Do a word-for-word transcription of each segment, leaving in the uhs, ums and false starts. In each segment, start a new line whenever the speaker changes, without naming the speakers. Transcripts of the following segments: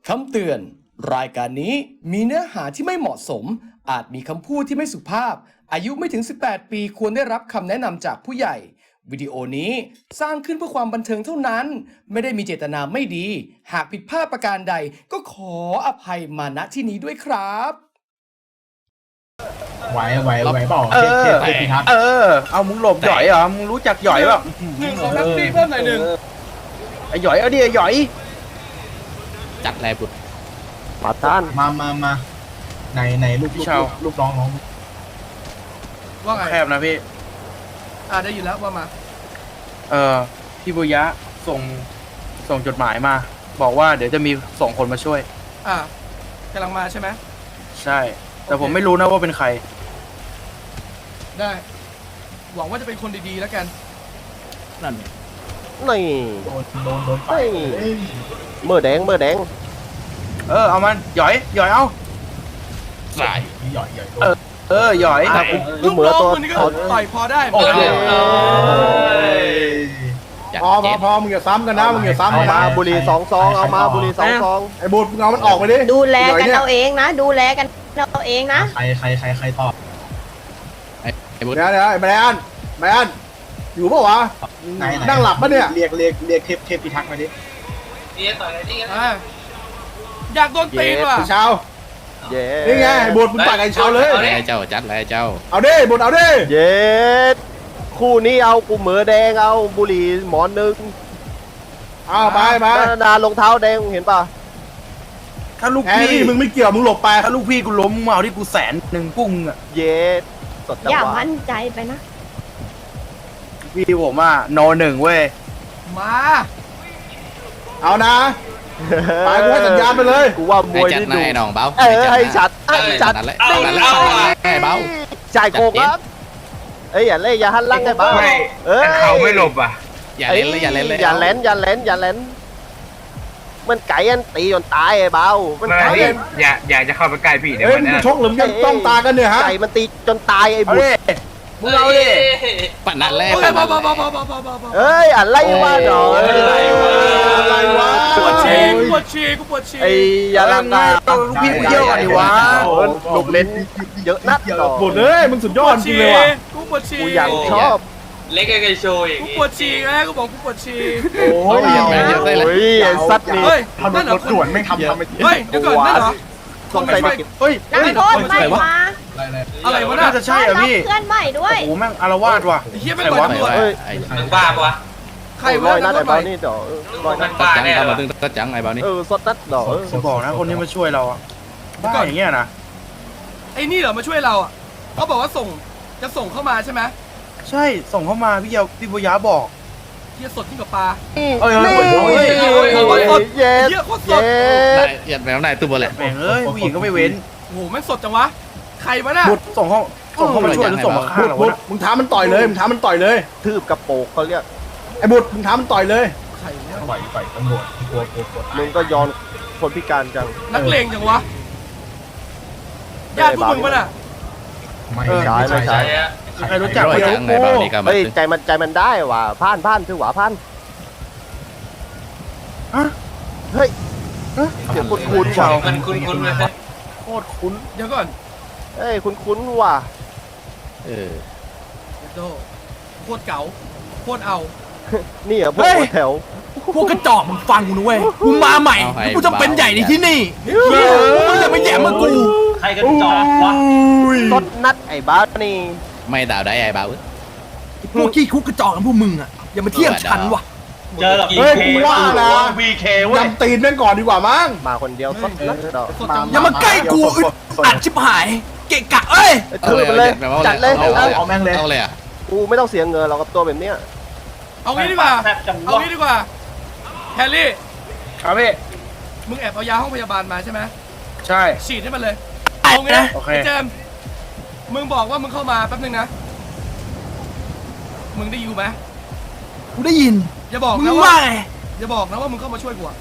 คำเตือนรายการนี้มีเนื้อหาที่ไม่เหมาะสมอาจมีคำพูดที่ไม่สุภาพอายุไม่ถึงสิบแปดปีควรได้รับคำแนะนำจากผู้ใหญ่วิดีโอนี้สร้างขึ้นเพื่อความบันเทิงเท่านั้นไม่ได้มีเจตนาไม่ดีหากผิดพลาดประการใดก็ขออภัยมาณที่นี้ด้วยครับ
ไหวไหวไหวเปล่า
เอ
เท
อ
พเทพพิทักษ์
เออ เอามึงหลบหย่อยเหรอ มึงรู้จักหย่อยเปล่า
หนึ่งของนักตีเพิ่มหน่อยหนึ่ง
ไอ้หย่อยเอาดิไอ้หย่อย
จัดแลบุตร
ปาต้าน
มามามาในในลูกลูกลูกน้องน้อง
ว่าไง
แคบนะพี่
อ่าได้ยินแล้วว่ามา
เออพี่บุยะส่งส่งจดหมายมา บอกว่าเดี๋ยวจะมีส่งคนมาช่วย
อ่ากำลังมาใช่ไหม
ใช่ แต่ผมไม่รู้นะว่าเป็นใคร
ได้หวังว่าจะเป็นคนดีๆแล้วกัน
นั่น
นี่
โดนโดนโดนไป
นี่เมื่อแดงเมื่อแดง
เออ เอามันหย่อยหย่อยเอา
สาย
หย่อยหย่อย
เออหย่อย
ลูกเหมือตัว
มึงนี่ก็ต่อยพอได้
โอเค
จัด
พอพ
เจ็
อ
ด
พอมึงอย่าซ้ำกันนะมึงอย่าซ้ำ
เอา
กัน
มา
นะ
บุหรี่สองซองเอามาบุหรี่สองซอง
ไอ้บูดมึงเอามันออกไปดิ
ดูแลกัน
หย่
เอา
ยย
เองนะ ดูแลกันเอาเองนะ
ใครใครใครใครตอบ
ไอ้บุตร
เดี๋ยวเดี๋ยวไอ้แบรนด์แบรนด์อยู่ปะวะนั่งหลับปะเนี่ยเรียกเรียกเรียกเทพเทพพิทักษ์มาดิ
อ่าอยากโดนตีนว่ะ
เช้า
เย้
นี่ไงไอ้บูดมึงต่อยกับไอ้เช้าเลย
ไอ้เจ้าจัดแล้วเจ้า
เอาดิบูดเอาดิ
เย้คู่นี้เอากูเหมือแดงเอาบุหรี่หมอนหนึ่ง
เอาไปไป
นารองเท้าแดงเห็นป่ะ
ถ้าลูก
แฮร์
พี่
รี่มึงไม่เกี่ยวมึงหลบไป
ถ้าลูกพี่กูล้มมึงมาเอาที่กูแสนหนึ่งปุ้งอ่ะ
เย้สดจัง
อย่า
หวะ
มั่นใจไปนะ
พี่ผมอ่ะโนหนึ่งเว้ย
มา
เอานะไปกูให้สัญญาณไปเลย
กูว่าม
ไอ้
วย
จัด
นี่
นาย
ดู
น้องเบา
เออให้จัดให้จัด
นั่นแหละนั่นแหละไอ้เบา
จ่ายโกงครับเอ้ยอย่าเล่อย่าหันหลังไอ้บ้าเอ้ย
เขาไม่หลบอ่ะ
อย่าเล่นเลยอย่าเล่นเลย
อย่าเล่นอย่าเล่นอย่าเล่นมันไก่อันตีจนตายไอ้เบามันไก่อัน
อย่าอย่าจะเข้าไปใกล้พี่เดี๋ยว
เฮ้ย
มัน
มึง
นะ
ชกหรือมึงยังต้องตากันเนี่ยฮะ
ไก่มันตีจนตายไอ้
เอา
บุต
ดิ
ร
มึงเอาดิ
ปั่นนั่นแหละ
โอเค
ปั่น
พอ
นั่น
พอ
แห
พอ
ละ
พอพอพอพอ
เอ้ยอะไรวะหนอ
อะไรวะอะไรวะ
ปวดฉี่กูปวดฉี่กูปวดฉี่
ไอ้ยาลังกา
ลูกพี่กูเยอะกว่าดิวะ
ลูกเล่นเยอะนักหนอ
หมดเลยมึงสุดยอดจริงเลยว่ะ
กูปวดฉี่
กูอยากชอบ
เล็กไอ้โชว์อย่าง
กู
งี้
ปวดฉี่ไงกูบอกกูปวดฉี่
โอ้ย
อย่าไปอย่าได้เลย
โอ้ยไอ้สัตว์นี่
เฮ้ย
ทำร
นั่นเหรอ
ถด่วนไม่ทำทำไป
เฮ้ยเดี๋ยวก่อนนั่นเหรอ
สงสัยไม่กิน
เฮ้ย
นักโทษใหม่มา
อะไรวะ
น่า
น่ะ
จะใช่เหรอพี่
เพื่อนใหม่ด้วย
โอ้โหแม่งอารวาสว่ะ
ไอ้เหี้ยไม่ปล่อยตำรวจ
เฮ้ย
ไอ้
มึงบ้าปะวะ
ใคร
ร้
วะ
อยนั
นั
ด
กโท
ไอ้
ษใหม่
เบานี่เดี๋ยวร้อยนั
มั
ด
นบ้า
จัง
แน่
เข้า
เหร
มา
อ
ตึงตัดจังไอ้เบานี่
เออสดนัดดอก
จะบอกนะคนนี้มาช่วยเราอะบ้าอย่างเงี้ยนะ
ไอ้นี่เหรอมาช่วยเราอ่ะเขาบอกว่าส่งจะส่งเข้ามาใช่ไหม
ใช่ส่งเข้ามาพี่เยาพี่บุยะบอก
เหี้ยสดยิ่งกว่าปลา
นี่
เอ้ยเอ้ยเอ้ย
เย้
เหี้ยโคตรส
เย้
ด
ได้ยัดแมวได้ตู้บอลแหละ
แม่งเอ้ยผู้หญิงก็ไม่เว้น
โอ้โหแม่งสดจังวะใครวะน่ะ
บุดส่งเข้าส่งเข้ามาช่วยหรือส่งมาฆ่า
บุด
เรา
บุ
วะ
ดมึงท้ามันต่อยเลยมึงท้ามันต่อยเลย
ทืบกระโปงเขาเรียก
ไอ้บุดมึงท้ามันต่อยเลย
ใครวะ
ต่อยต่อยตำรวจกลัวกลัวกลัว
มึงก็ย้อนคนพิการจัง
นักเลงจังวะญาติพวกมึงปะน่ะ
ไม่
ใช่ไม่ใช่
ใช่อะ
ใครรู้จัก
ร้อย
เดี๋ยว
จังไอ้เบานี่ก็มา
เฮ้ย
ตึง
ใจมันใจมันได้ว่ะผ่านผ่านถือว่าผ่าน
ฮะ
เฮ้ยเสียงคุ้นคุ้นๆว่ะ
มันคุ้นๆเลย
โคตรคุ้น
เดี๋ยวก่อน
เฮ้ยคุ้นคุ้นๆว่ะ
เออ
เดี๋ยวโตโคตรเก๋าโคตรเอา
นี่เหรอพวกหัวแถว
พวกกระจอกมึงฟังกูนะเว้ยกูมาใหม่กูจะเป็นใหญ่ในที่นี่มึงอย่ามาแย่มากู
ใครกันจอกวะ
สดนัดไอ้บ้านี่
ไม่ดาวได้ไอ้เบา
พวกขี้คุกกระจอกของพวกมึงอ่ะอย่ามาเทียบฉันว่ะ
เจอหรอก
เฮ้ยกูว่านะ
วีเคเว้ย
ยำตีนแม่งก่อนดีกว่ามั้ง
มาคนเดียวสดนัดดอก
สดจัง
อย่ามาใกล้กูอึดอัดชิบหาย เกะกะเอ้ย
ถือไปเลยจัดเลย
เอา
เอา
เอาแม่งเลย
เอาเลยอ่ะ
กูไม่ต้องเสียเงินเรากับตัวแบบเนี้ย
เอางี้ดีกว่า
แซ่บจัง
เอา
วะ
งี้ดีกว่าแฮร์รี่
ครับพี่
มึงแอบเอายาห้องพยาบาลมาใช่ไหม
ใช่
ฉีดให้มันเลยเอางี้นะ
โอเค
ไอ้เจมส์มึงบอกว่ามึงเข้ามาแป๊บนึงนะมึงได้อยู่ไหม
กูได้ยิน
อย่าบอก
มึ
นะ
ง
ว่า
ว่าไง
อย่าบอกนะว่ามึงเข้ามาช่วยกูอะ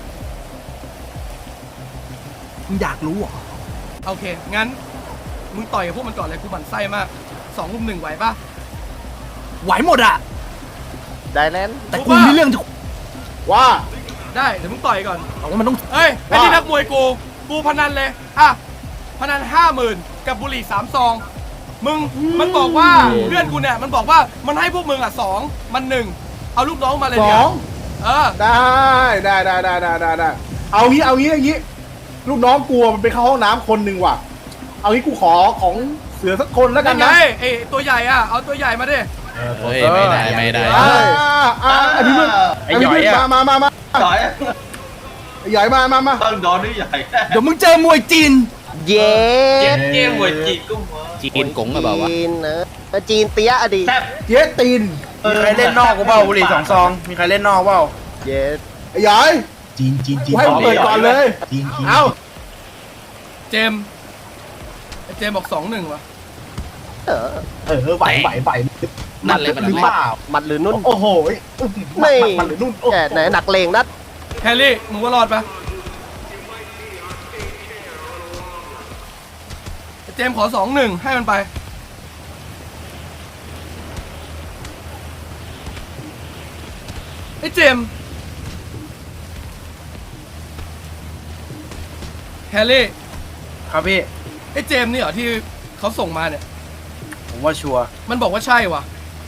มึงอยากรู้เหรอ
โอเค งั้น มึงต่อยกับพวกมันก่อนเลยกูบั่นไส้มากสองรุมหนึ่งไหวปะ
ไหวหมดอ่ะ
ได้แล้ว
แต่กูมีเรื่องจะ
ว่า
ไได้เดี๋ยวมึงต่อยก่อน
เอาว่ามันต้อง
เอ้ยไอ้นี่นักมวยกูกูพนันเลยอ่ะพนันห้าหมื่นกับบุหรี่สามซองมึงมันบอกว่าเพื่อนกูเนี่ยมันบอกว่ามันให้พวกมึงอ่ะสองมันหนึ่งเอาลูกน้องมาเลย
ส
เนี่
อย ง
เออ
ได้ได้ได้ได้ได้ได้ได้เอางี้เอางี้อย่างงี้ ลูกน้องกลัวมันไปเข้าห้องน้ำคนหนึ่งว่ะ เอางี้กูขอของเสือสักคนแล้วกั
นั่
น
นไง
นะ
ไอ้ตัวใหญ่อ่ะเอาตัวใหญ่มาดิ
เฮ้ยไม่ได้ไม่ได้
อ่าอ่าไอ้พี่มึง
ไอ้หย่อย
พี่มึง
อะ
มามามามา
หน่อย
ไอ้ใหญ่มามามา
ต้องโดนด้วยใหญ่
เดี๋ยวมึงเจอมวยจีน
เย้
เจ๊เจ๊หวยจีกุ้งหัว
จีนกงหรือเปล่าวะ
จีนนะจีนเตี้ยอะดี
แซ่บ
เจ๊ตีน
มีใครเล่นนอกกูเปล่าบุหรี่สองซองมีใครเล่นนอกเปล่า
เย้
ไอ้ใหญ่
จีนจีนจี
กู
น
ให้มึงเปิดก่อนเลย
จีนจีน
เอา
เจมส์ไอ้เจมส์บอกสองหนึ่งว่ะ
เออ
เออไหวไหวไหว
นั่นเลยมัน
หรือ
เลย
เปล่า
มันหรือนุ่น
โอ้โห
ไม่
มันหรือนุ่นโอ้โห
แกไหนหนักเลงนัด
แฮร์รี่มึงว่ารอดปะไอ้เจมส์ขอสองหนึ่งให้มันไปไอ้เจมส์แฮร์รี่
ครับพี่
ไอ้เจมส์นี่เหรอที่เขาส่งมาเนี่ย
ผมว่าชัวร์
มันบอกว่าใช่ว่ะ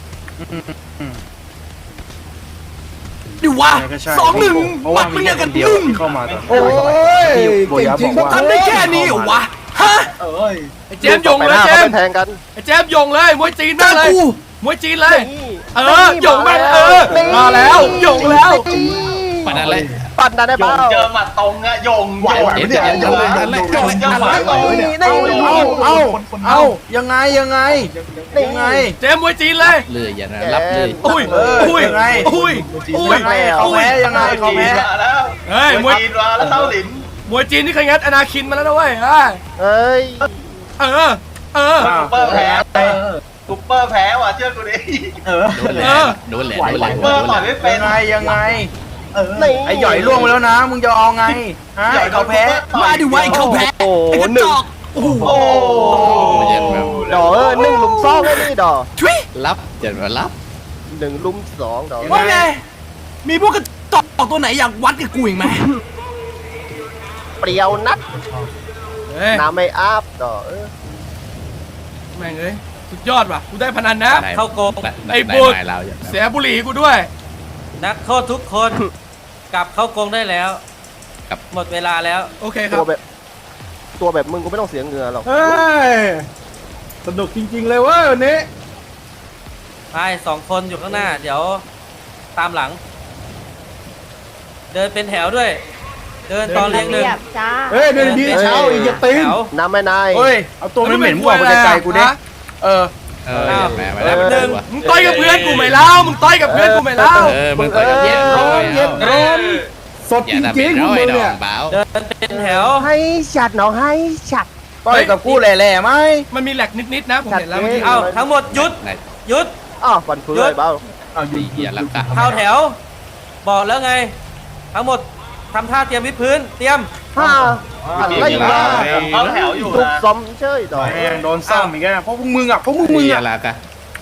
ดิวะ
ยังไงก็ใช่
สองหนึ่ง
เพราะ
มั
ว่า
ด
มี
มึง
แค่
เนี่ย
ค
กัน
นเดียว
นึ่ง
ที่เข้ามาตอน
โอ้ย
พี่โบ
เก่ง
ยะ
จริง
บอกว่า
ทำได้แค่นี้เหรอวะฮะ
เอ้ย
ไอ้เจมส์ยง
ไป
เล
ห
ย
น้า
เจ
เขา
ม
ไป
ส์
แทงกัน
ไอ้เจมส์ยงเลยมวยจีน
เจ
นั่
อน
เลย
กู
มวยจีนเลย
นี่
เออหยงมันเออมาแล้วหยงแล้ว
ปนั่นเลย
ปั่นได้
โย
เปล่าง
เจอหมัดตรงอะโยง
ไหวไหวไม่ได้
เดี๋ยวเดี๋ยวเดี๋ยวเดี๋ยว
เจอหมัดตรง
นี่นี่
เอาเอาเอายังไงยังไงยังไง
เจมส์มวยจีนเลย
เลยอย่านะรับเลย
อุ้ย
เออ
อุ้ย
ยังไง
อุ้ยอุ้ย
ยังไงเขาแพ้ยังไงเขา
จี
แพ้
นมาแล้ว
เฮ้ยม
ม
ว
วย ยจีนมาแล้วเต้าหลิน
มวยจีนนี่เคยงัดอนาคินมาแล้วนะเว้ยเอ้ย
เอ้ย
เออเออ
ซุปเปอร์แพ้ซุปเปอร์แพ้ว่ะเชื่อกูดิ
เออ
โดนเลยโดนเลยโดนเลย
ซุปเปอร์ต่อยไม่เป็
ยั
น
งไงยังไง
เออ
นี่
ไอ้หย่อยล่วงไปแล้วนะ มึงจะเอาไงฮะ
หย่อย
เขาแพ้
มาดิวะไอ้เขาแพ้
โอ้
ไอ้กระ
หนึ่
จ
ง
อกโอ้โห
โอ้
ดอกเออหนึ่งลุมสองไอ้นี่ดอก
ชุย
รับอย่ามารับ
หนึ่งลุมสองดอก
ว่าไงมีพวกกระจอกตัวไหนอยากวัดกับกูอีกไหม
เปรี้ยวนัด
เฮ้ย
น้ำไม่อาบดอกเออ
แม่งเอ้ยสุดยอดว่ะกูได้พนันนะ
เข้าโกง
ไอ้บูด
เราอย่า
เสียบุหรี่กูด้วย
นักโทษทุกคน กลับเข้ากรงได้แล้ว หมดเวลาแล้ว
โอเคครั
ตั
บ
วแบบตัวแบบมึงกูไม่ต้องเสียเหงื่อหรอก
เฮ้ย สนุกจริงๆเลยเว้ยวันนี้
ไปสองคนอยู่ข้างหน้า เดี๋ยวตามหลัง เดินเป็นแถวด้วย เดินตอนเรียงหนึ่ง
เรียบจ้า
เฮ้ยเดินดีเช้าอีกอย่าตีน
แถว
น้ำไม่นาย
เฮ้ย เอาตัวไม่เหม็นกว่าไปไกลๆกูดิ
ฮะ
เออ
เอออย่าแหมมาแล้ว
เออ
หนึ่ง
มึงต่อยกับเพื่อนกูไหมเล่ามึงต่อยกับเพื่อนกูไหมเล่า
เออมึงต่อยกับเย็นร้อย
เย็นร้อนสด
อ
จ
ย่าทำ
ริ
เป็
ง
น
ๆพว
ร้
ก
อย
มึง
ดอ
เนี่ย
งเบา
เดินเป็นแถว
ให้ฉัดน้องให้ฉัด
ต่อยกับกูแหล่ๆไหม
มันมีแหลกนิดๆนะผมเห็นแล้วเมื่อกี้
เอาทั้งหมดหยุด
ไหน
หยุด
อ้าวฟันฟื้นเลยเบ้า
เอาอยู่
อย่าลักกะ
เข้าแถว บอกแล้วไง ทั้งหมดทำท่าเตรียมวิดพื้น เตรียม
ฮ่าอะไรวะ
เขาแถวอยู่
ทุก
นะ
ซอมเชยดอก
แม่งโดนซ้ำอีกแล้วเพราะพวกมึงอ่ะเพราะพวกมึง
อย่า
อ่ะ
ลักกะ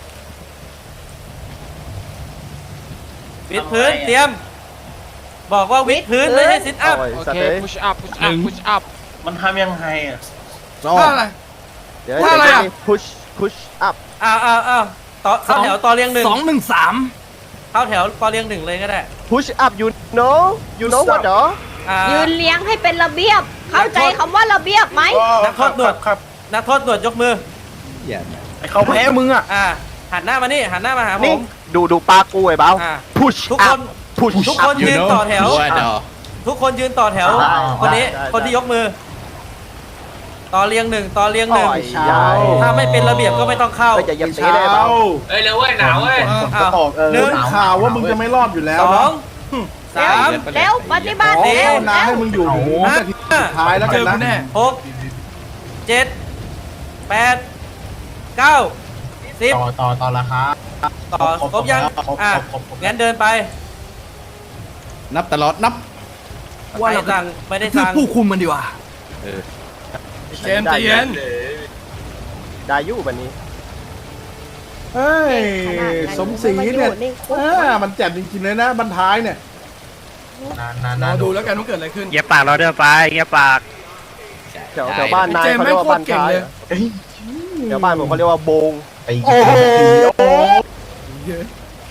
วิดพื้น เตรียม บอกว่าวิดพื้นไม่ให้ซิทอัพ
โอเค
push up push up push up
มันทำยังไงอ่ะ
ท่าอะไร
เดี๋ยว
ว่าอะไรอะ
พุชพุชอัพ
อ้าวอ้าวอ้าวต่อเข้าแถวต่อเรียงหนึ่ง
สองหนึ่งสาม
เข้าแถวต่อเรียงหนึ่งเลยก็ได้
พุชอัพ you know you know what เหรอ
อ่า
ยืนเลี้ยงให้เป็นระเบียบ เข้าใจคำว่าระเบียบไหม
นักโทษหนวด
ครับ
นักโทษหนวดยกมือ
อย่า
ไอ้เขาแพ้มึงอ่ะ
อ่า หันหน้ามานี่ หันหน้ามาหาผ
นี่
ม
ดูดูปลากูไอ้เบ้า
อ่า
พุช
ทุก
อั
ค
พ
น
พุช
ทุกคนยืนต่อแถว
ว่าดอ
ทุกคนยืนต่อแถว
ได้
คนนี้
ได้
คนที่ยกมือ ต่อเรียงหนึ่งต่อเรียงหนึ่ง
ต่อยยาว
ถ้าไม่เป็นระเบียบก็ไม่ต้องเข้า
ก็อย่าอย่าตีได้เบ้า
เอ้ยเร็วเว้ยหนาวเว้ย
อ้าว
ออกเออ
หนึ่ง
ข่าวว่ามึงจะไม่รอดอยู่แล้ว
สอ
นะ
งสาม
เร็วปฏิบัติ
ขอ
เร็ว
ภาวนา
เร็
ให้
ว
มึงอยู่ถึงนาทีสุดท้ายแล้ว
เจ
กั
อน กู
นะ
แน่
หกเจ็ดแปดเก้าสิบ
ต่อต่อต่อราคา
ต่อครบยังอ่ะงั้นเดินไป
นับตลอดนับ
ว่า
ไม่
เรา
สั่งไม่ได้
คือ
สั่ง
ผู้คุมมันดีกว่า
เออ
เจมส์ใจเย็น
ได้อยู่วันนี้
เฮ้ย สมศรีเนี่ย
ขนาดนั้น
เออมันแจ่มจริงๆเลยนะบรรท้ายเนี่ย
นานนาน
ร
นา
อน ดูแล้วกันว่าเกิดอะไรขึ้น
เงียบปากเราเดินไปเงียบปาก
แถวแถวบ้านนาย
เจมส์
เขาเรียกว่า
แม่งโคตร
บ้าน
เก่ง
ท้าย
เลย
อะแถวบ้านผมเขาเรียกว่าโบง
ตี
โอ้โห
เยอะ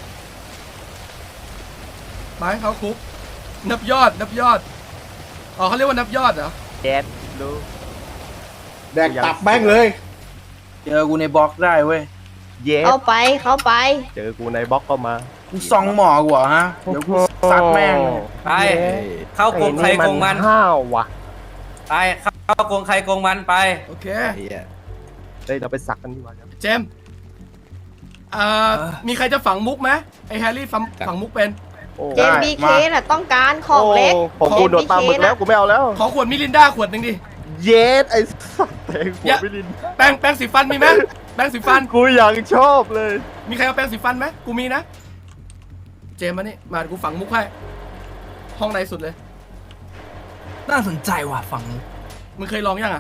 ไปเขาคุก นับยอด นับยอด อ๋อเขาเรียกว่านับยอดเหรอ
แดดดู
แดกตับแม่งเลย
เจอกูในบล็อกได้เว้ย
เย้
เข้าไปเข้าไป
เจอกูในบล็อกก็มา
กูซองหมอกูเหรอฮะ เดี๋ยวกูซัดแม่งเลย
ไป เข้ากรงใครกรงมัน
ห้าวว่ะ
ไปเข้ากรงใครกรงมันไป
โอเค
เหี้ย
เฮ้ยเราไปสักกันดีกว่าครับ
เจมส์เอ่อ มีใครจะฝังมุกไหมไอแฮร์รี่ฝังฝังมุกเป็น
โอ้
เจนบีเคน่ะต้องการของเล็ก
โอ้ผมกูโดดปลาหมึกแล้วกูไม่เอาแล้ว
ขอขวดมิรินด้าขวดหนึ่งดิ
เย็ดไอ้สัตว์แตงหั
อย่า
วไม่ดิน
แป้งแป้งสีฟันมีไหมแป้งสีฟัน
กูยังชอบเลย
มีใครเอาแป้งสีฟันไหมกูมีนะ เจมส์มานี่ มาเดี๋ยวกูฝังมุกให้ ห้องในสุดเลย
น่าสนใจว่ะฝั่ง
มึงเคยลองยังอ่ะ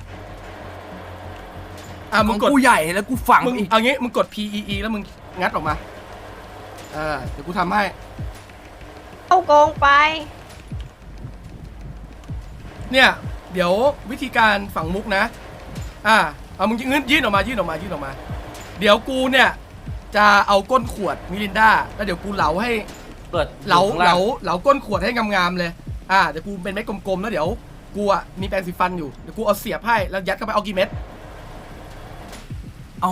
อ่ะ
ข
มึ
อง ง
กด
กูใหญ่แล้วกูฝัง
มึง
อีก
เอางี้ มึงกด P E E แล้วมึงงัดออกมา อ่า เดี๋ยวกูทำให้
เข้ากรงไป
เนี่ย เดี๋ยววิธีการฝังมุกนะ อ่า เอามึงยื่นยื่นออกมา ยื่นออกมา ยื่นออกมา เดี๋ยวกูเนี่ย จะเอาก้นขวดมิรินด้า แล้วเดี๋ยวกูเหลาให้
เปิด
เหลา
อยู่
เห
ข้
ลาง
ง
เหลาก้นขวดให้งามๆเลย อ่า เดี๋ยวกูเป็นเม็ดกลมๆ แล้วเดี๋ยวกูอ่ะมีแปรงสีฟันอยู่ เดี๋ยวกูเอาเสียบให้ แล้วยัดเข้าไปเอากี่เม็ด
เอา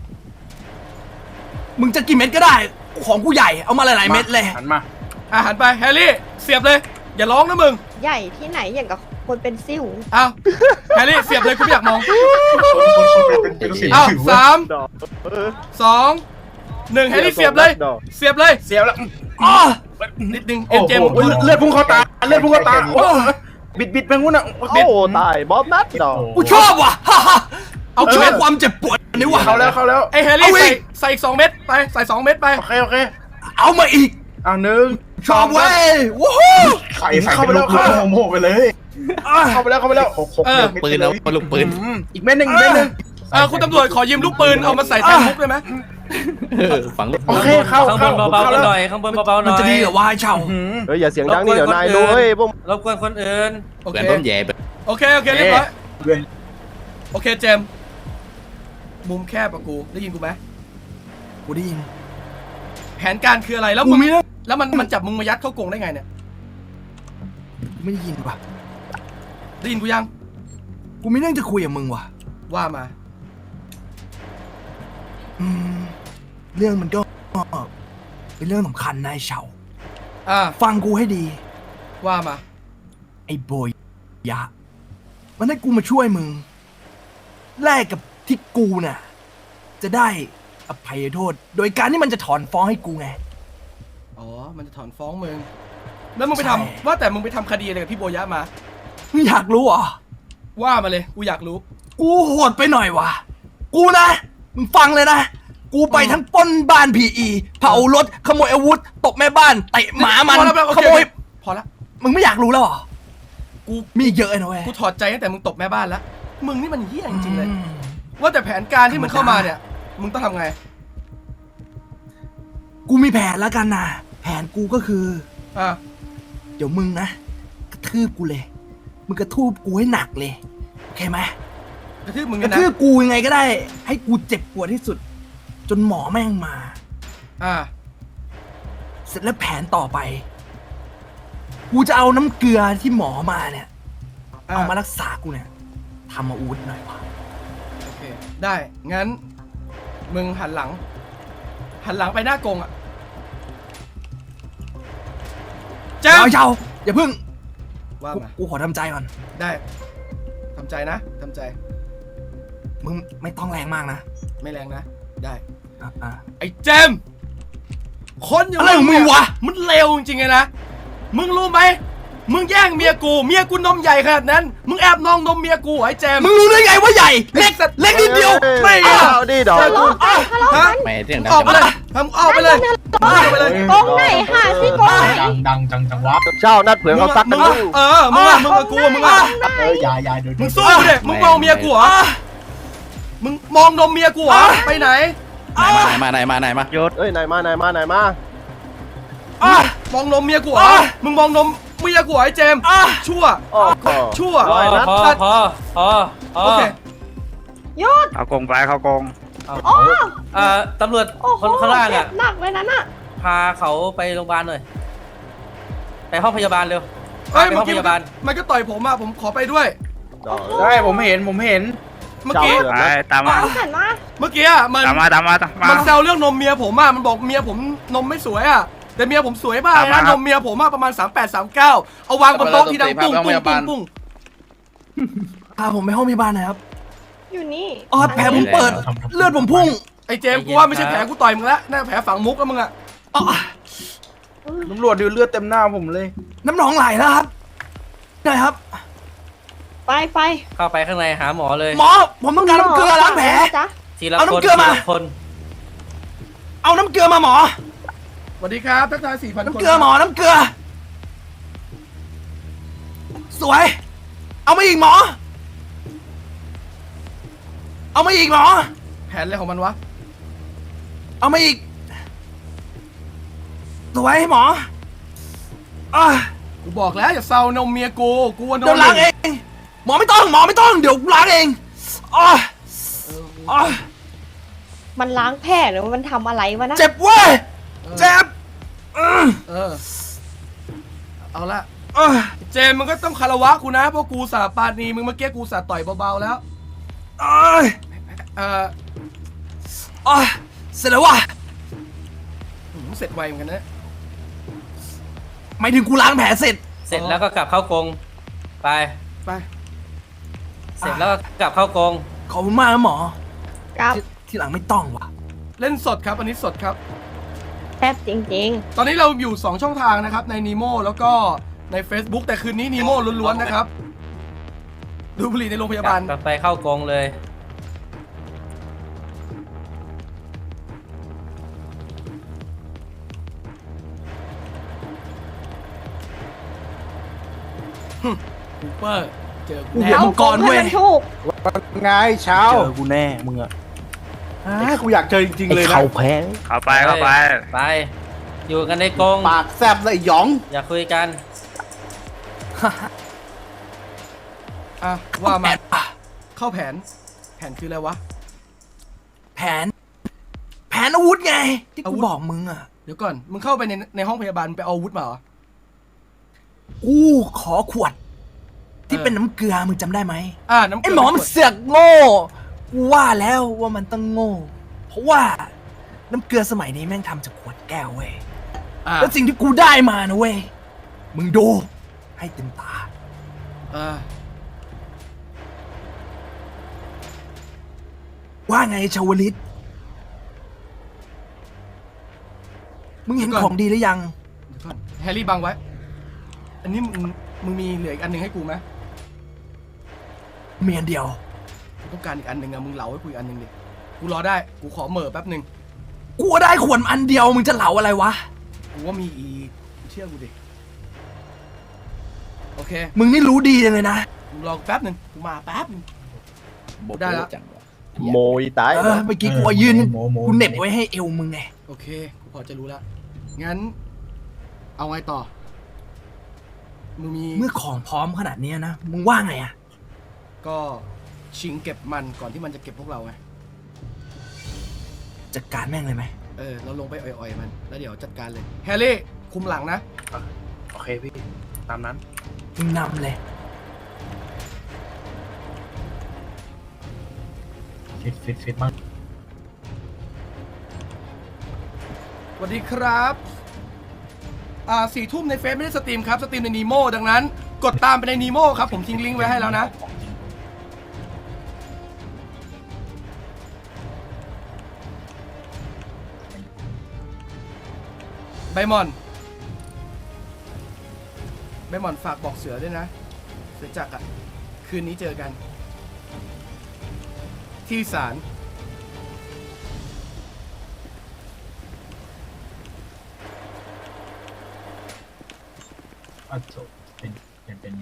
มึงจะกี่เม็ดก็ได้ ของกูใหญ่ เอามาหลายๆเม็ดเลย
หันมา
อ่ะหันไปแฮร์รี่ เสียบเลย อย่าร้องนะมึง
ใหญ่ที่ไหนอย่างกับคนเป็นซิ่ว
เอาแฮร์รี่เสียบเลยกูไม่อยากมอง
คนคนคนเป็นเป็นสิว
เอา
สิว
สาม
ดอกเออ
สองหนึ่งแฮร์รี่เสียบเลย
ดอก
เสียบเลย
เสียวแล้ว
อ้อ
นิดนึง
โอ้
เอ็น
โห
เจม
เลือดพุ่งเข้าตาเลือดพุ่งเข้าตาโอ้บิดบิดไปงู้นอ่ะ
โอ้ตายบอมนัดดอก
กูชอบว่ะ ฮ่าฮ่าเอาชอบความเจ็บปวดนี่ว่ะ
เข้าแล้วเข้าแล้ว
ไอแฮร์รี่
เอาอี
ใส่
ก
ใส่อีกสองเม็ดไป ใส่สองเม็ดไป
โอเคโอเค
เอามาอีก
อ่ะหนึ่ง
ชอบเว้ยว้าว
ไข่เข้าไปแล้วเข้าโมโหไปเลยเข้าไปแล้วเข้าไปแล้วหกหก
เออ
ปืนเอามาลูกปืน
อืมอีกเม็ดหนึ่งอีกเม็ดหนึ่ง
เออคุณตำรวจขอยืมลูกปืนเอามาใส่แทนมุกได้ไหม
เออฝังลูก
โอเคเข้า
ข้างบ
เข้าน
เบาๆ
เข้า
กัน
แล้ว
หน่อยข้างบนเบาๆห
มัน
น่อย
จะดีเหรอวะไอ้เช่า
อืม
เฮ้ยอย่าเสียงดังนี่เดี๋ยวนายรู้เฮ้ยพวก
รบกวนคนอื่น
โอ
เหมื
เค
อนต้มแย่แบบ
โอเค โอเค เรียบร้อย
เพื่อน
โอเค เจมส์มุมแคบอะกู ได้ยินกูไหม
กูได้ยิน
แผนการคืออะไร แล้ว
กู
มึง
มีเรื่อง
แล้วมันมันจับมึงมายัดเข้ากรงได้ไงเนี่ย
กูไม่ได้ยินว่ะ
ได้ยินกูยัง
กูมีเรื่องจะคุยกับมึงว่ะ
ว่ามา
อืม เรื่องมันก็เป็นเรื่องสำคัญนายเฉา
อ่า
ฟังกูให้ดี
ว่ามา
ไอ้โบยยะ มันให้กูมาช่วยมึง แลกกับที่กูน่ะ จะได้อภัยโทษ โดยการที่มันจะถอนฟ้องให้กูไง
อ๋อ มันจะถอนฟ้องมึง แล้วมึงไป
ใช่
ทำว่าแต่มึงไปทำคดีอะไรกับพี่โบยะมา
มึงอยากรู้เหรอ
ว่ามาเลย กูอยากรู้
กูโหดไปหน่อยวะกูนะ มึงฟังเลยนะ กูไปทั้งปล้นบ้านพีอีเผารถ ขโมยอาวุธ ตบแม่บ้าน เตะหมามัน
พอแล้วโอ
ข
เค
โมย
พอละ
มึงไม่อยากรู้แล้วเหรอ
กู
มีอีกเยอะเลยนะเว้ย
กูถอดใจตั้งแต่มึงตบแม่บ้านแล้ว มึงนี่มันเหี้ยจริงๆเลย
อืม
ว่าแต่แผนการที่มึงเข้ามาเนี่ย มึงต้องทำไง
กูมีแผนแล้วกันนะ แผนกูก็คือ
อ่า
เดี๋ยวมึงนะ กระทืบกูเลย มึงกระทืบกูให้หนักเลย โอเคไหม
กระทืบมึง
ก
กัน
ระ
นะ
ทืบกูยังไงก็ได้ ให้กูเจ็บปวดที่สุด จนหมอแม่งมา
อ่า
เสร็จแล้วแผนต่อไป กูจะเอาน้ำเกลือที่หมอมาเนี่ย
อ่า
เอามารักษากูเนี่ยทำมาอูดหน่อยวะ
โอเค ได้ งั้น มึงหันหลัง หันหลังไปหน้ากรงอ่ะเจ้า
เดี๋ยวเจ้าอย่าเพิ่ง
ว่า
กู
มา
กูขอทำใจก่อน
ได้ทำใจนะทำใจ
มึงไม่ต้องแรงมากนะ
ไม่แรงนะ ได้
อ่ะอ่ะ
ไอ้เจมส์คนอย่าง
อะไรของมึงวะ
มันเลวจริงๆไงนะ มึงรู้ไหม มึงแย่งเมียกู เมียกูนมใหญ่ขนาดนั้น มึงแอบนองนมเมียกูไอ้เจมส์
มึงรู้ได้ไงว่าใหญ่ เล็กเล็กนิดเดียว
ไม่
ไม่
เอา
เอาดิดอก
เจอกู ฮะ
แม่เสียงดัง
ออกไป
จัง
เลยทำออกไปเลยออกไปเลย
กรงไหนหาสิกรงไหน
ดังดังจังจังวะ
เช่านัดเผื่อเขาซักกัน
มึง
ดู
อะเออ มึงอะมึงกับกูอะมึงอะ
เออยายายดู
มึงสู้กูดิมึงมองเมียกูเหรอ มึงมองนมเมียกูเหรอ ไปไหน
ไหนมาไหนมาไหนมา
เอ้ยนายมานายมานายมา
มองนมเมียกูเหรอ มึงมองนมเมียกูเหรอไอ้เจมส์
อ่ะ
ชั่ว
โอ้โห
ชั่ว
พอพอพอพอพอ
โอเค
หยุด
เอากงไปเขากง
โอ้
เอ่อตำรวจ
โอ้โห
คนข้างล่าง
เจ็
อ่ะ
บหนักเลยนะน่ะ
พาเขาไปโรงพยาบาลหน่อย ไปห้องพยาบาลเร็ว
เฮ้ย
ไป
เมื่
ห้
อ
อง
กี้
พยาบาล
มันก็ต่อยผมอะผมขอไปด้วย
ใช่ผมเห็นผมเห็น
เมื่อกี้
เจ้าเดือนนะ
ตามมา
เอาหันมา
เมื่อกี้อะมัน
ตามมาตามมาตามมา
มันแซวเรื่องนมเมียผมอะมันบอกเมียผมนมไม่สวยอะแต่เมียผมสวยมาก
ตามมา
นะครับ นมเมียผมอะประมาณสามแปด สามเก้าเอาวางบนโต๊ะที่ดังปุ้งปุ้งปุ้งปุ้ง
พาผมไปห้องพยาบาลหน่อยครับ
อยู่นี่
อ๋อแผลผมเปิด เลือดผมพุ่ง
ไอ้เจมส์กูว่าไม่ใช่แผลกูต่อยมึงแล้วน่าแผลฝังมุกแล้วมึงอะ
อ๋อ
ตำรวจดูเลือดเต็มหน้าผมเลย
น้ำหนองไหลแล้วครับหน่อยครับ
ไปไป
เข้าไปข้างในหาหมอเลย
หมอ ผมต้องการน้ำเกลือล้างแผล
จ๊ะ
ทีละ
เอา
คน
น้ำเกลือ
ที
มา
ละคน
เอาน้ำเกลือมาหมอ
สวัสดีครับทักทายสี่พันคน
น้ำเกลือหมอ น้ำเกลือ สวย เอามาอีกหมอ เอามาอีกหมอ
แผนอะไรของมันวะ
เอามาอีก สวยหมออ่ะ
กูบอกแล้วอย่าเซานมเมียกูกูว่านม
เดี๋ยวล้างเอง หมอไม่ต้อง หมอไม่ต้อง เดี๋ยวล้างเองอ่ะอ่ะ
มันล้างแผลหรือว่ามันทำอะไรวะนะ
เจ็บเว้ย เจ็บอือ
เออเอาละ
อ่ะ
เจมส์มึงก็ต้องคารวะกูนะเพราะกูสาปานีมึงเมื่อกี้กูสาต่อยเบาๆแล้ว
อ่ะ
เออ
อ่ะเสร็จแล้วว่ะ
หืมเสร็จไวเหมือนกันนะ
หมายถึงกูล้างแผลเสร็จ
เสร็จแล้วก็กลับเข้ากรงไป
ไป
เสร็จแล้วก็กลับเข้ากรง
ขอบคุณมากนะหมอ
กับ
ที่ที่หลังไม่ต้องว่ะ
เล่นสดครับอันนี้สดครับ
แซ่บจริง
ตอนนี้เราอยู่ สอง ช่องทางนะครับใน Nemo แล้วก็ใน Facebook แต่คืนนี้ Nemo ล้วนๆนะครับ ดูผลิตในโรงพยาบาล
กลับไปเข้ากรงเลย
คูเปอร์ เจอกู
ๆ
แน่
ดี๋ยว
เอา
มังกรเว้ย
ให้มันถูก
ไงเช้า
เจอกูแน่มึงอะ
อ่ากูอยากเจอจริงๆเลยนะ
เข้าไปเข้าไป
ไป อยู่กันในกรง
ปากแซบเลยหยอง
อย่าคุยกัน
อ่ะว่ามา
แผนอ่ะ
เข้าแผน แผนคืออะไรวะ
แผน แผนอาวุธไง ที่
อาวุ
กู
ธ
บอกมึงอ่ะ
เดี๋ยวก่อน มึงเข้าไปในในห้องพยาบาลไปเอาอาวุธมาเหรอ
กูขอขวด ที่
เออ
เป็นน้ำเกลือมึงจำได้ไหม
อ่าน้ำเก
ไอ้
ลื
หมอมันเสือกโง่ กูว่าแล้วว่ามันต้องโง่ เพราะว่าน้ำเกลือสมัยนี้แม่งทำจากขวดแก้วเว้ย
อ่า
แล้วสิ่งที่กูได้มานะเว้ย มึงดู ให้เต็มตา
อ่า
ว่าไงชาวลิต มึงเห็น
เดี๋ยวก่อน
ของดีหรือยัง
เดี๋ยวก่อนแฮร์รี่บังไว้ อันนี้มึงมึงมีเหลืออีกอันหนึ่งให้กูไหม
เมียนเดียว
กูต้องการอีกอันหนึ่งอะมึงเหลาให้กูอีกอันหนึ่งดิ กูรอได้ กูขอเหม่อแป๊บหนึ่ง
กูได้ขวดอันเดียว มึงจะเหลาอะไรวะ
กูว่ามีอีกเชื่อกูดิ โอเค
มึงนี่รู้ดีจังเลยนะ
มึงรอกูแป๊บหนึ่งกูมาแป๊บหนึ่ง ได้แล้ว
จังวะ
โมยตาย
เออ เมื่อกี้กูเอายืน
โมโม
กูเหน็บไว้ให้เอวมึงไง
โอเค กูพอจะรู้แล้ว งั้น เอาไงต่อ มึงมี
เมื่อของพร้อมขนาดเนี้ยนะ มึงว่าไงอะ
ก็ชิงเก็บมันก่อนที่มันจะเก็บพวกเราไง
จัดการแม่งเลยไหม
เออ เราลงไปอ่อยๆมัน แล้วเดี๋ยวจัดการเลย แฮร์รี่ คุมหลังนะ
โอเคพี่ ตามนั้น
มึงนำเลย
ฟิตฟิตฟิตมาก
สวัสดีครับ อ่าสี่ทุ่มในเฟซไม่ได้สตรีมครับ สตรีมในนีโมดังนั้น กดตามไปในนีโมครับ ผมทิ้งลิงก์ไว้ให้แล้วนะ ใบหมอน ใบหมอนฝากบอกเสือด้วยนะ เสือจักรอ่ะ คืนนี้เจอกัน ที่ศาล
อ่ะจบเป็นเป็นเป็นไง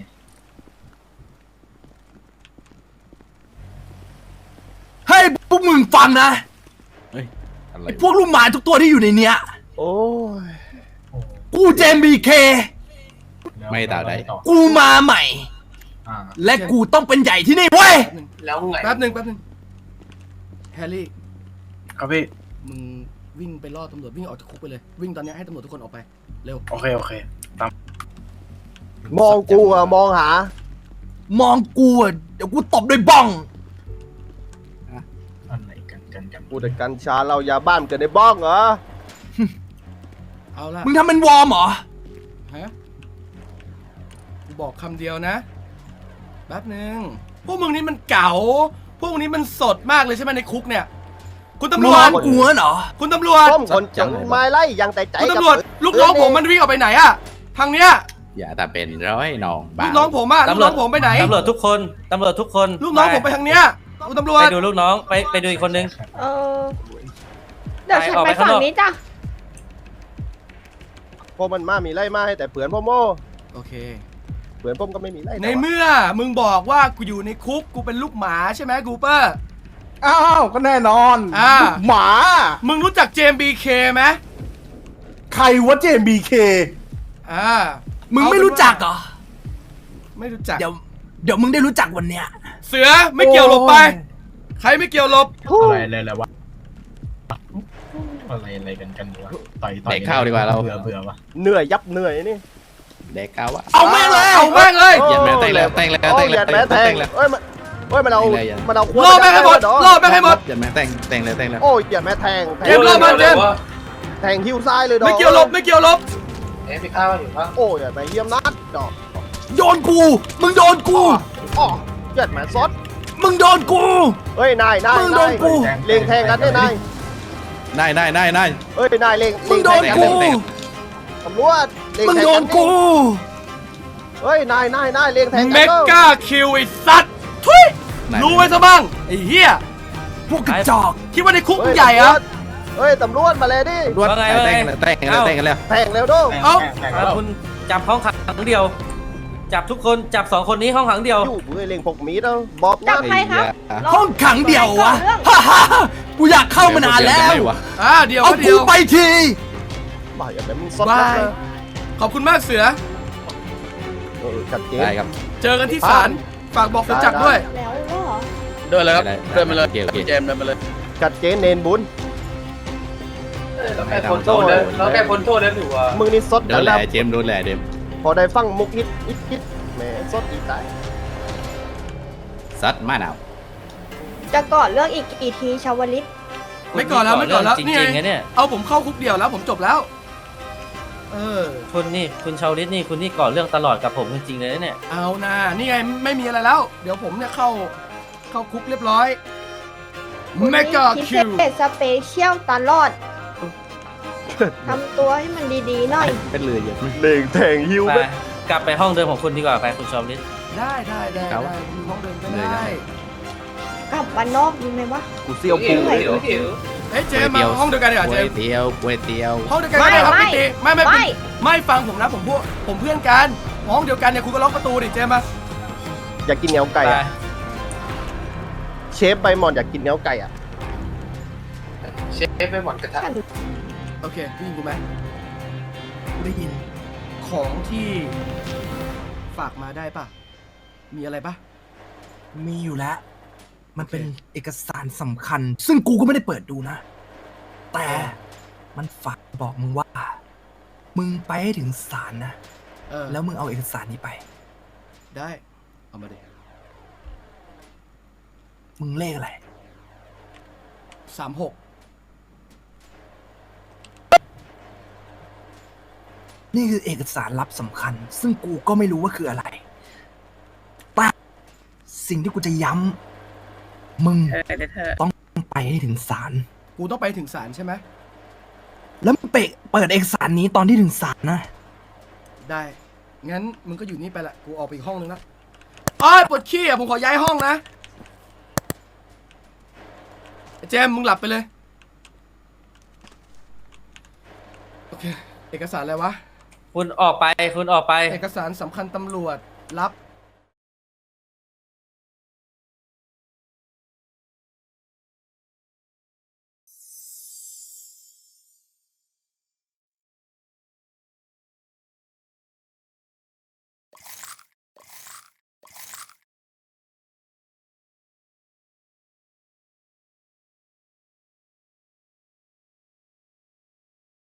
เฮ้ยพวกมึงฟังนะ
เฮ้ย อะไร
ไอ้พวกลูกหมาทุกตัวที่อยู่ในเนี้ย
โอ้ย
โอ้
กูเจมบีเค
แล้
ไม่ต่อได้
กูมาใหม่
อ่า
และกูต้องเป็นใหญ่ที่นี่เว้ย
แล้วไง
แป๊บหนึ่งแป๊บหนึ่งแฮร์รี่
ครับพี่
มึงวิ่งไปล่อตำรวจวิ่งออกจากคุกไปเลย วิ่งตอนเนี้ยให้ตำรวจทุกคนออกไป เร็ว
โอเคโอเคตาม
มองกูอะมองหา
มองกูอะเดี๋ยวกูตบด้วยบ้อง
อะไรกันกันกัน
กูแต่กัญชาเรายาบ้านเกิดในบ้องเหรอ
เอาละ
มึงทำเป็นวอร์มเหรอ
ฮะกูบอกคำเดียวนะ แป๊บหนึ่งพวกมึงนี่มันเก๋า พวกมึงนี่มันสดมากเลยใช่ไหมในคุกเนี่ย คุณตำร
ม
ว
อ
จ
งกูเหรอ
คุณตำรวจ
ต้มคนจังไม้ไล่ยังแต่ใจ
คุณ
กับ
ตำรวจ ลูกน้องผมมันวิ่งออกไปไหนอะทางเนี้ย
อย่าแต่เป็นร้อยน้องบ้า
ลูกน้องผมอะลูกน้องผมไปไหน
ตำรวจทุกคนตำรวจทุกคน
ลูกน้องผมไปทางเนี้ยคุณตำรว
ไป
จ
ดูลูกน้องไปไปดูอีกคนนึง
เออ เดี๋ยวฉัน
ไปออก
ไป
ไปข้าง
ฝั่ง
นอก
นี้จ้ะ
พวกมันมามีไล่มาให้แต่เผื่อนพ่อโม
โอเค
เผื่อนพ่อมก็ไม่มีไล่
ในเมื่อมึงบอกว่ากูอยู่ในคุกกูเป็นลูกหมาใช่ไหมกูเปอร์
อ้าวก็แน่นอน
อ่า
ลูกหมา
มึงรู้จักเจมส์บีเคไหม
ใครวะเจมบีเค
อ่า
มึงไม่รู้จักเหรอ
ไม่รู้จัก
เดี๋ยว เดี๋ยวมึงได้รู้จักวันเนี้ย
เสือไม่เกี่ยวหลบไป ใครไม่เกี่ยวหลบ
อะไรอะไรอะไรวะอะไรอะไรกันกันวะต่อยต่อย
เด็กเข้าดีกว่าเรา
เบื่อเบื่อวะ
เหนื่อยยับเหนื่อยนี่
เด็กเข้าวะ
เอาแม่งเลย
เอาแม่งเลย
เหยียดแม่งแต่งแล้วแต่งแล้ว
โอ้
แต่ง
เหยี
แล้
ยว ดแม่แท
แต่
ง
งแล้ว
เอ้ยมันเอ้ยมันเอา
แต่งแล้ว
มันเอา
ล่อแม่งให้หมดล่อแม่งให้หมด
เหยียดแม่งแต่งแต่งแล้วแต่งแล้ว
โอ้ยเหยียดแม่แทงแท
เจ
ง
มส์รอมาเจมส์
แทงหิ้วซ้ายเลยดอก
ไม่เกี่ยวหลบไม่เกี่ยวหลบ
โอ้ยเหยียดแม่เยี่ยมนัดดอก
โยนกู มึงโดนกู
อ๋อเหยียดแม่ซด
มึงโดนกู
เฮ้ยนายนาย
มึงโด
นาน ย
กู
เล็งแทงกันเนี่ยนาย
ได้ได้ได้ได้
เฮ้ยนายเล็ง
มึงโดน
เล็
กู
แทงตำรวจเล็ง
มึง
แทง
โดนกู
เฮ้ยนายนายนายเล็งแทง
เม
กัน
กาคิวไอ้สัตว์ทุยรู้ไว้ซะบ้างไอ้เหี้ย
พวกกระจอก
คิดว่าในคุก
เฮ้
มึ
ย
งใหญ่เหรอะ
เฮ้ยตำรวจมาเลยดิ
รวดแต่งแล้วแต่งแล้วแต่งแล้ว
แทงเร็วดู
เอ้า
อ่ะคุณจับห้องขังเดียว จับทุกคนจับสองคนนี้ห้องขังเดียว
อยู่เฮ้ยเล็งพกมีดเอาบอก
จั
นะ
บใครครับ
ห้องขังเดี่ยววะ
เรื่อง
ฮ่าฮ่าฮ่ากูอยากเข้ามานานแล้ว
อ่าเดี๋ยว
เอา
ก็เดี๋
กู
ยว
ไปที
บ่ายอย่าแบบมึงซด
บา
นะ
ย ขอบคุณมากเสือ
เออจัดเจน
ได้ครับ
เจอกันที่ศาลฝากบอกเสือจักรด้วย
แล้วเหรอ
เดินเลยครับ
ได้ได้
เดินมาเลย
โอเคโอเค
พี่เจมส์เดินมาเลย
จัดเจนเนนบุญ
แล้วแค่พ้นโทษแล้วแค่พ้นโทษ
มึงนี่ซด
โดนแหล่เจมส์โดนแหล่เดม
พอได้ฟังมุกฮิตฮิตฮิตแหมซดอีกตาย
ซัดมาหนาว
จะก่อนเรื่องอีกกี่ทีชาวลิต
ไม่ก่อนแล้วไม่ก่อนแล้ว
จ
นี่
ริงๆ
ไง
นะเนี่ย
เอาผมเข้าคุกเดียวแล้วผมจบแล้ว เออ
คุณนี่คุณชาวลิตนี่คุณนี่ก่อเรื่องตลอดกับผมจริงๆเลยนะเนี่ย
เอานะนี่ไงไม่มีอะไรแล้ว เดี๋ยวผมเนี่ยเข้าเข้าคุกเรียบร้อยเมกา
พิ
คิว
เศษสเปเชียลตลอดทำตัวให้มันดีๆหน่อย
เป็นเรือเยอะ
เล็งแทงหิ้ว
ไป
ไป
กลับไปห้องเดิมของคุณดีกว่าไปคุณชาวลิต
ได้ได้ได้ได้มีห้องเดินก็ได้
กลับบ้านนอกดีไหมวะ
กูเสียวปู
เหนื่อย
เฮ้ยเจมส์มาห้องเดียวกันดีกว่า
ก๋
เจ
วย
มส์
เตี๋ยวก๋วยเตี๋ยว
ห้องเดียวกันก็ได้ครับ
ไม่
พี่ตีไม่ไม่
ไม่
ไม่ฟังผมนะผมพวกผมเพื่อนกันห้องเดียวกันเนี่ยคุณก็ล็อกประตูดิเจมส์มา
อยากกินเหนียวไก่
ไป
อะเชฟใบหมอนอยากกินเหนียวไก่อะ
โอเคได้ยินกูไหม
กูได้ยิน
ของที่ฝากมาได้ปะมีอะไรปะ
มีอยู่แล้ว มันเป็นเอกสารสำคัญ ซึ่งกูก็ไม่ได้เปิดดูนะ แต่มันฝากบอกมึงว่า มึงไปให้ถึงศาลนะ
เออ
แล้วมึงเอาเอกสารนี้ไป
ได้เอามาดิ
มึงเลขอะไร
สามหก
นี่คือเอกสารลับสำคัญ ซึ่งกูก็ไม่รู้ว่าคืออะไร แต่สิ่งที่กูจะย้ำมึงต้องไปให้ถึงศาล
กูต้องไปถึงศาลใช่ไหม
แล้วมึงเปะเปิดเอกสารนี้ตอนที่ถึงศาลนะ
ได้ งั้นมึงก็อยู่นี่ไปละ กูออกไปอีกห้องนึงละอ้อยปวดขี้อ่ะ ผมขอย้ายห้องนะไอ้เจมส์มึงหลับไปเลย โอเค เอกสารอะไรวะ
คุณออกไปคุณออกไป
เอกสารสำคัญตำรวจรับ